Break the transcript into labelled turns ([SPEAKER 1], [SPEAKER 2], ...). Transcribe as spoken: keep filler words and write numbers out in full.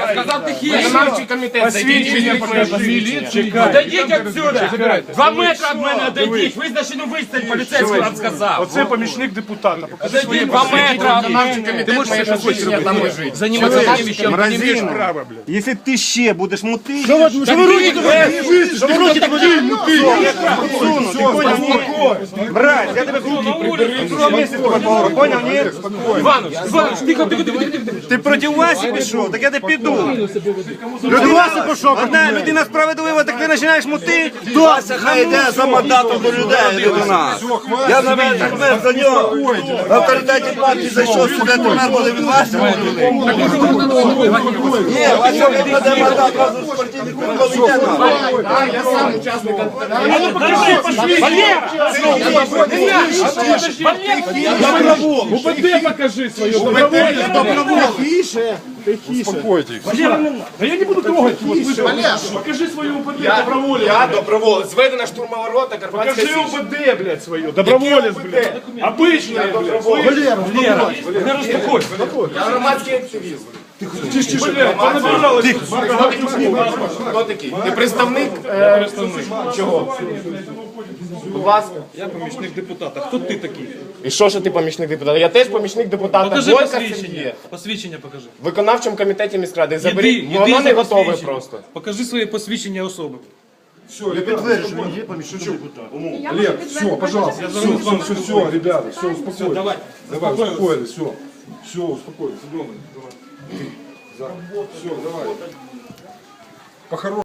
[SPEAKER 1] Сказав тихіше.
[SPEAKER 2] Виконавчий комітет, зайдіть міліцію.
[SPEAKER 1] Отойдіть отсюда. Два метри від мене отойдіть. Визначену відстань поліцейський вам сказав.
[SPEAKER 3] Оце помічник депутата. Покажи свої
[SPEAKER 1] Отойдіть два метри.
[SPEAKER 2] Виконавчий комітет має посвідчення там лежить.
[SPEAKER 1] Займатися таким вещам.
[SPEAKER 3] Мразина.
[SPEAKER 4] Якщо ти ще будеш мутити,
[SPEAKER 3] Що ви руки так Що ви руки так
[SPEAKER 4] суну, ти поняв, ні? Брать, я тебе в місці поняв, ні?
[SPEAKER 1] Іванович, Іванович, тихо, тихо, тихо, тихо.
[SPEAKER 4] Ти проти Васі пішов, так я не піду. Проти Васі пішов, одна людина справедлива, так ти починаєш мутити.
[SPEAKER 5] Вася хай йде за мандатом до людей, до нас. Я навіть так за нього. В авторитеті партії зайшов сюди, тепер буде від Вася мутити. Ні, Вася випаде мандат разом з партійних комітетом.
[SPEAKER 2] Я сам учасник.
[SPEAKER 3] УБД покажи свое добровольно. Тише, тише. Успокойтесь. Да я не буду трогать его, слышишь? Покажи свое УБД добровольно.
[SPEAKER 2] Я доброволець. Зведена штурмова рота, Карпатська
[SPEAKER 3] Покажи
[SPEAKER 2] Січ.
[SPEAKER 3] УБД, блядь, свое. Доброволец, блядь. Обычное, блядь. Валера, Валера. Валера, успокойся.
[SPEAKER 2] Я громадський активіст.
[SPEAKER 3] Блядь, понабиралось.
[SPEAKER 2] Хто такий? Ти представник? е, Чого? Будь ласка.
[SPEAKER 3] Я помічник депутата. Хто ти такий?
[SPEAKER 2] І що ж ти помічник депутата? Я теж помічник депутата.
[SPEAKER 6] Покажи
[SPEAKER 2] Бойка
[SPEAKER 6] посвідчення.
[SPEAKER 2] Сергія.
[SPEAKER 6] Посвідчення покажи.
[SPEAKER 2] В виконавчому комітеті міськради.
[SPEAKER 6] Єди,
[SPEAKER 2] Заберіть.
[SPEAKER 6] єди
[SPEAKER 2] Воно
[SPEAKER 6] за
[SPEAKER 2] не готове
[SPEAKER 6] посвідчення.
[SPEAKER 2] просто.
[SPEAKER 6] Покажи своє посвідчення особи.
[SPEAKER 3] Я підтверджую, що він є помічник депутата.
[SPEAKER 7] Олег, все, пожалуйста,
[SPEAKER 6] Я
[SPEAKER 7] все,
[SPEAKER 6] зараз з вами
[SPEAKER 7] все, все, ребята, все, успокойтесь.
[SPEAKER 6] Давай.
[SPEAKER 7] Давай, успокоились, все, все, успокоились, давай. Все, давай. По-хорошему.